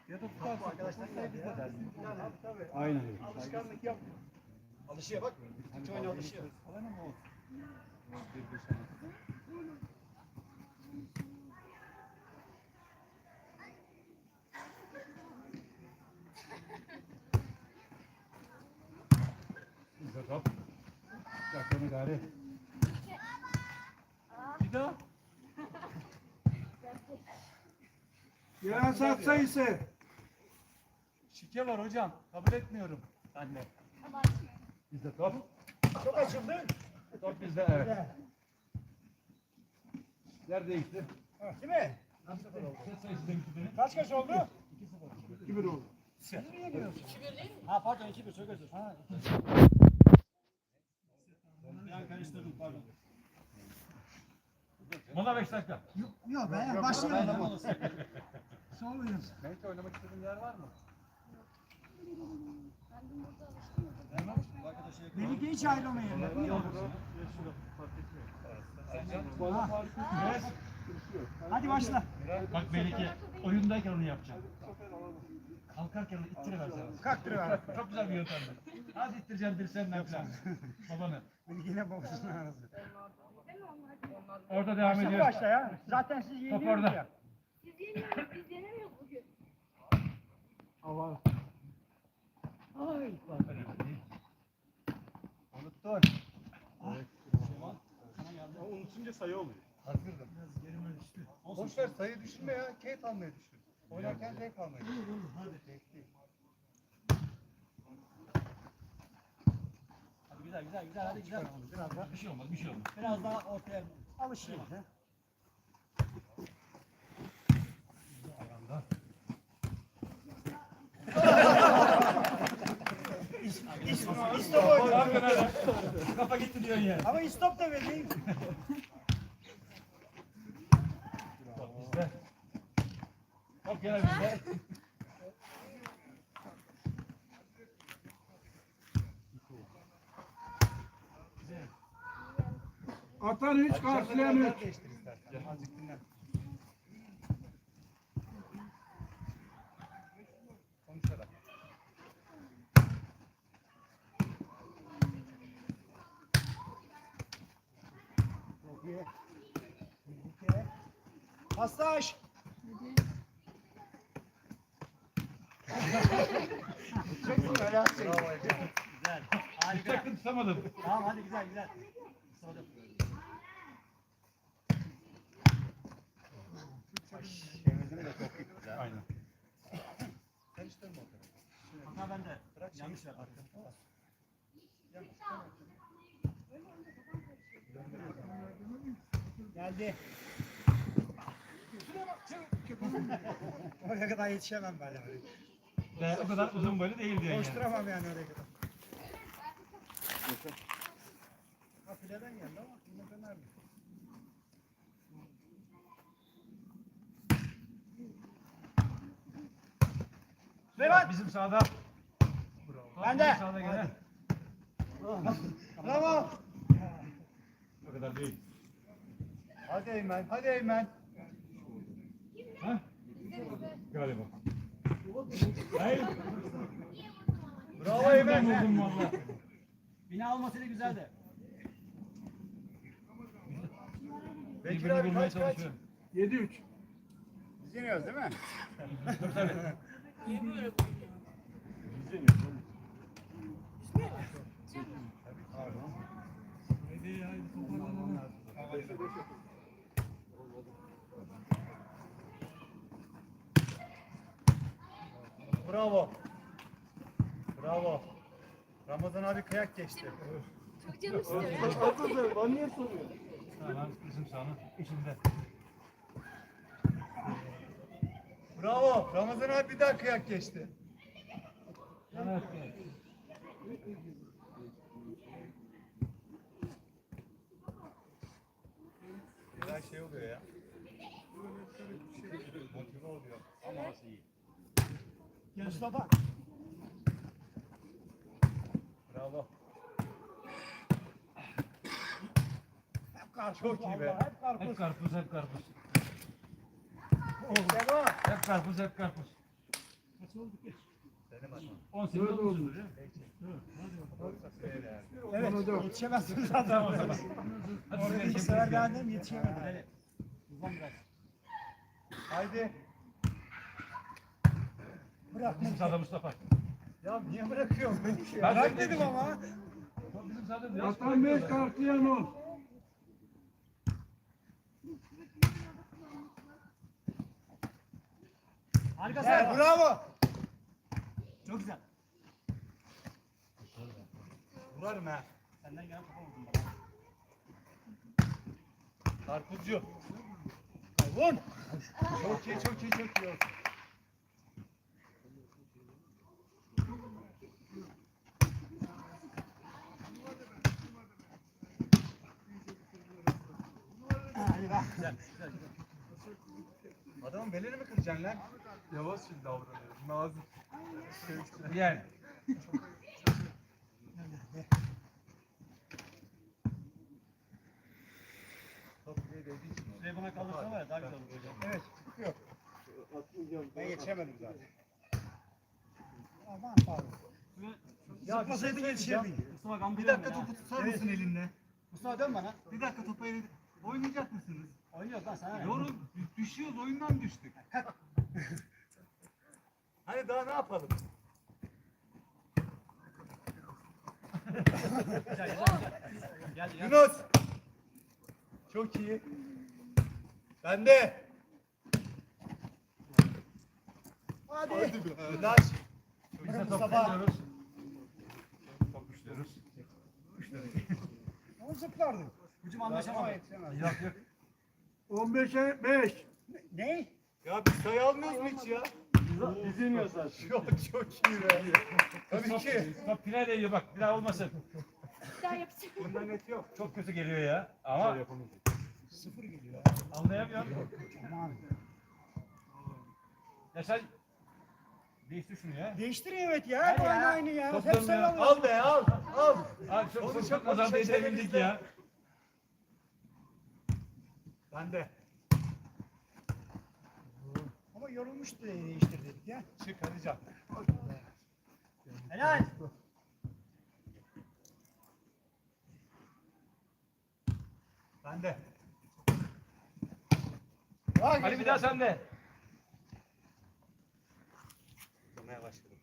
Ya da tutarsın. Arkadaşlar biz de dersin. Aynen. Alışkanlık yap. Alışıyor bak. Hiç oyuna alışıyor. Falan ama olsun. Güzel top. Yakını gari. Bir daha. Gelen saat sayısı. Şike var hocam. Kabul etmiyorum. Anne. Bizde top. Çok açıldı. Top bizde, evet. Yer değişti. Değil mi? Set sayısı değişti. Kaç oldu? 2-1 oldu. Niye giriyorsun? 2-1 değil mi? Ha pardon 2-1 çok özür. Ha 2-1. Ben karıştırdım pardon. Mola 5 dakika. Yok ben başlayalım. Sormayın. Belki oynamak istediğin yer var mı? Melike hiç ayrılmayın. Hadi başla. Bak Melike, oyundayken onu yapacağım. Kalkarken onu ittiriversene. Kalktırıver. Çok güzel bir yöntemdi. Hadi ittireceksin dirseğinden falan. Babanı. Melike'yle babasının arası. Orada devam Başla ediyor. başla ya. Zaten siz Top yeniyorsunuz orada. ya. Biz yenemiyoruz, biz yenemiyoruz bugün. Unuttun. Unutunca sayı oluyor. Hazırdım. Boş ver sayı düşünme ya. Keyif almaya düşün. Oynarken zevk almaya düşün. Hadi. Zevkli. Hadi güzel güzel güzel hadi güzel. Biraz daha, Bir şey olmaz, bir şey olmaz. biraz daha ortaya alışayım. İstop Kafa gitti diyorsun yani. ama istop da vereyim. Bizde. Top gene bizde. Atan 3, karşılayan 3. Değiştir istersen. Azıcık dinlen. Konuşarak. Pastaj. Bravo Ege. Güzel. Harika. Tutacaktım, tutamadım. Tamam hadi güzel güzel. Sonra. Temizliğini de çok güzel. Aynen. Karıştırma o kadar. Hata bende. Bırak Yanlış şeyi. yaptım. Geldi. Oraya kadar yetişemem ben yani. Ve o kadar uzun boylu değil diyorsun yani. Koşturamam yani oraya kadar. Ha fileden geldi ama yine döner mi? Bak bizim sahada. Ben de. Sahada gene. Bravo. O kadar değil. Hadi Eymen. Hadi Eymen. Ha? Galiba. Hayır. Bravo Eymen. Vurdum valla. Bina olmasıyla güzeldi. Bekir Birbirini abi vurmaya kaç kaç? çalışıyor. 7-3. Biz yeniyoruz değil mi? Tabii tabii. Bravo. Bravo. Ramazan abi kıyak geçti. Çok canım istiyor. Tamam bizim sahanın içinde. Bravo. Ramazan abi bir daha kıyak geçti. Evet. Güzel şey oluyor ya. Motive oluyor. Ama nasıl iyi. Mustafa. Bravo. Hep karpuz. Çok iyi be. vallahi, Hep karpuz. Hep karpuz, hep karpuz. Devam. Hep karpuz, hep karpuz. Kaç oldu ki? Benim hatam. 18 Dört oldu. olmuştur ya. Olursa söyle yani. Evet, hocam. yetişemezsiniz zaten o zaman. Hadi Orada size ilk sefer geldim, yetişemedim. Uzan biraz. Haydi. Bırak. Bizim sahada Mustafa. Ya niye bırakıyorsun beni ki? Ben Bırak seni dedim ama. Bizim sahada biraz Atan 5 karşılayan 10. Harikasın. Evet, bravo. Çok güzel. Vurarım ha. Senden gelen topa vurdum bana. Karpuzcu. Vur. Çok iyi, çok iyi, çok iyi olsun. Hadi bak. Güzel. Adamın belini mi kıracaksın lan? Yavaş şimdi davranıyor. Nazik. yani. Top diye değdiği için oldu. Şurayı bana kaldırsana var ya daha güzel olur hocam. Evet. Yok. Ben yetişemedim zaten. Aman pardon. Ya Zıplasaydın yetişirdin. Mustafa Gamze Bir dakika topu tutar mısın elinle? Mustafa dön bana. Bir dakika topu elinle. Oynayacak mısınız? Oynuyoruz lan sana. ne? Yorum düşüyoruz, oyundan düştük. Hani daha ne yapalım? Gel. Yunus. Çok iyi. Bende. Hadi. Ulaş. Biz de top Mustafa. tutuyoruz. Top düşüyoruz. Onu zıplardın. Hücum anlaşamadık. Yok yok. 15'e 5. Ne? Ya biz sayı almıyoruz mu hiç ya? Biz iniyoruz zaten. Çok iyi be. Tabii ki. Top finale değiyor bak bir daha olmasın. Bir daha yapacağım. Bundan net yok. Çok kötü geliyor ya. Ama Sıfır geliyor. anlayamıyorum. Aman. Ya sen değiştir şunu ya. Değiştirin evet ya. Hadi Aynı ya. aynı ya. Toplarını Hep sen ya. alıyorsun. Al be al. Al. Abi çok Onu çok çok nazar konuşacak değdirebildik şeyler ya. Bende. Ama yorulmuş diye değiştir dedik ya. Çık hadi can. Helal. Bende. Hadi bir daha sen de. Tutmaya başladım.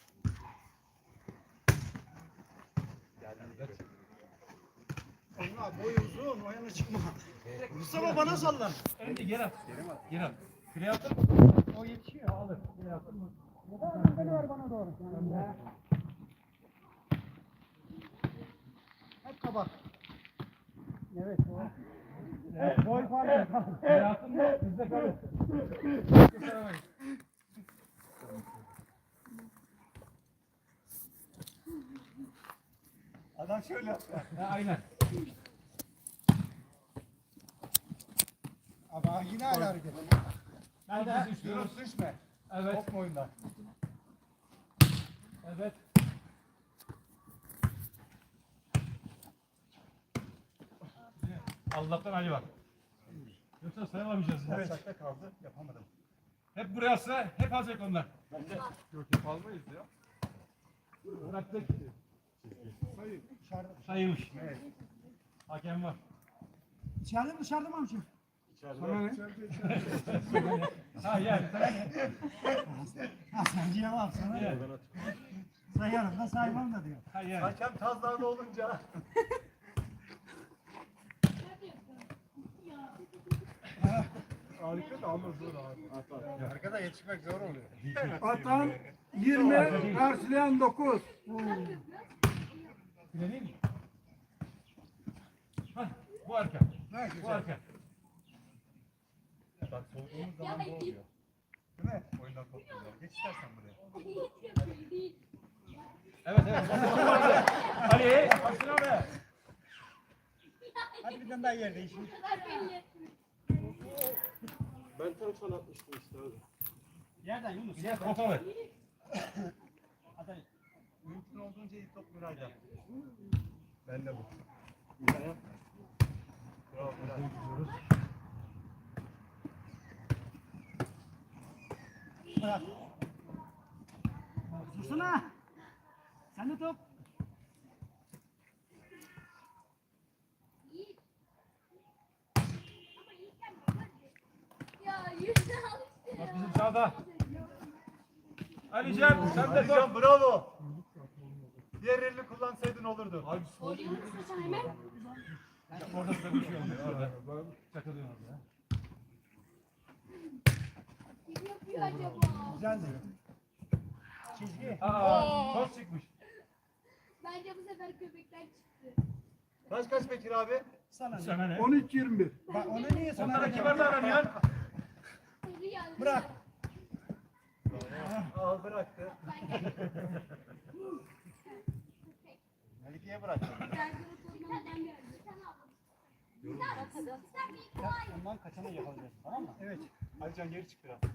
Oyna boy uzun. O yana çıkma. Mustafa bana sallan. Önce geri at. Geri at. Fileye atın. O yetişiyor. Alır. Geri at. Ya da beni ver bana doğru. Hep kabak. Evet o. Evet, boy farkı. Geri atın mı? Bizde kalır. Adam şöyle yaptı. Ha, aynen. Ama yine aynı hareket. Ben de düşüyoruz. Yunus düşme. Evet. Top mu oyundan? Evet. Allah'tan Ali var. Yoksa sayılamayacağız. Evet. Çakta kaldı. Yapamadım. Hep buraya atsa hep alacak onlar. Yok yapalmayız ya. Bıraktık. Dışarıda. Sayılmış. Evet. Hakem var. İçeride mi dışarıda mı amcım? Sana ne? Ha yani. Ha sen cevap sana. Yani. Sayarım da saymam da diyor. Ha yani. Hakem Tazdağ'da olunca. Harika da ama zor abi. Arkada yetişmek zor oluyor. Atan 20 karşılayan 9. Bile değil mi? Hah, bu arka. Bu arka. Bak soğuduğumuz zaman bu oluyor. Değil mi? Oyundan kopmuyorlar. Geç istersen buraya. Evet evet. Ali. Başına be. Hadi bir tane daha yer değişir. Ben tam sana atmıştım işte abi. Yerden Yunus. Bir de kopa ver. Hadi. Mümkün olduğunca iyi top Nuray'da. Ben de bu. Bravo Nuray. Bırak. Dursana. Sen de top. Yiğit. Ama Yiğit gelmiyor. Ya yüzünü al işte Bak ya. bizim sağda. Ali Cem sen de top. Alican bravo. Diğer elini kullansaydın olurdu. Abi Oluyor musun sen hemen? Orada da bir şey oluyor orada. Takılıyor orada. Kim yapıyor acaba? Güzeldi. Çizgi. Aa, top çıkmış. Bence bu sefer köpekten çıktı. kaç Bekir abi? Sana. Sana ne? 13-21. Bak onu niye sana? Onlara kibar davranıyorsun. Hızlı geldi. Bırak. Al bıraktı. Melike'ye bırak. Ondan kaçana yakalayacağız. Tamam mı? Evet. Alican geri çık biraz.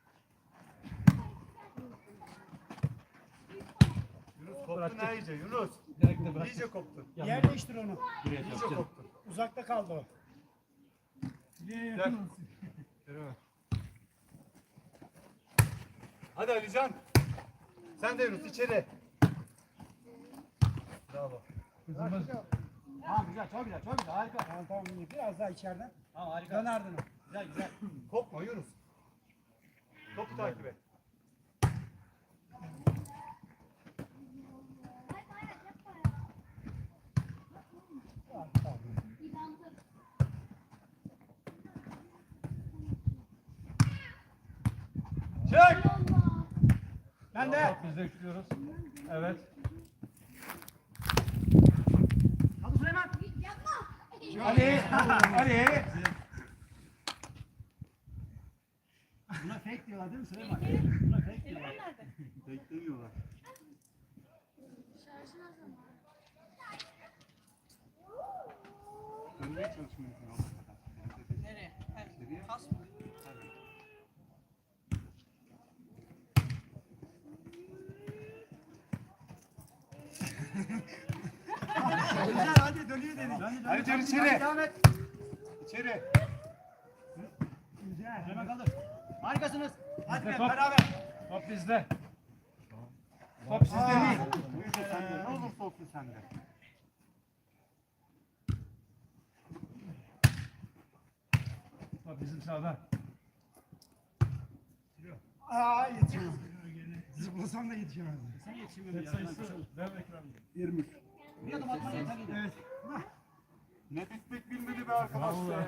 Yunus koptun ha iyice Yunus. Direkt de bırak. İyice koptun. Yer değiştir onu. Buraya İyice yapacağım. koptun. Uzakta kaldı o. Gel. Yürü. Hadi Alican. Sen de Yunus içeri. Bravo. Kızımız Tamam güzel, çok güzel, çok güzel. Harika. Tamam tamam. Biraz daha içeriden. Tamam harika. Dön ardına. Güzel güzel. Kopma Yunus. Topu takip et. Çek. Ben de. biz de üçlüyoruz. Evet. Hadi Süleyman. Ali. Ali. Buna fake diyorlar değil mi Süleyman? Buna fake diyorlar. Beklemiyorlar. Dönmeye çalışmıyorsun o kadar. Nereye? İçeriye. Kas mı? Güzel hadi dönüyor dedik. Alican içeri. Devam et. İçeri. Güzel. Süleyman kaldır. Harikasınız. Hadi Bizde be, top. beraber. Top bizde. Top sizde değil. Ne olursa olsun sende. Top bizim sağda. Aa yetişemez. Zıplasam da yetişemez. Sen yetişemedin. Set sayısı. Ver Ekrem. 23. Bir adım atman yeterli. Evet. Ne bitmek bilmedi be arkadaş be.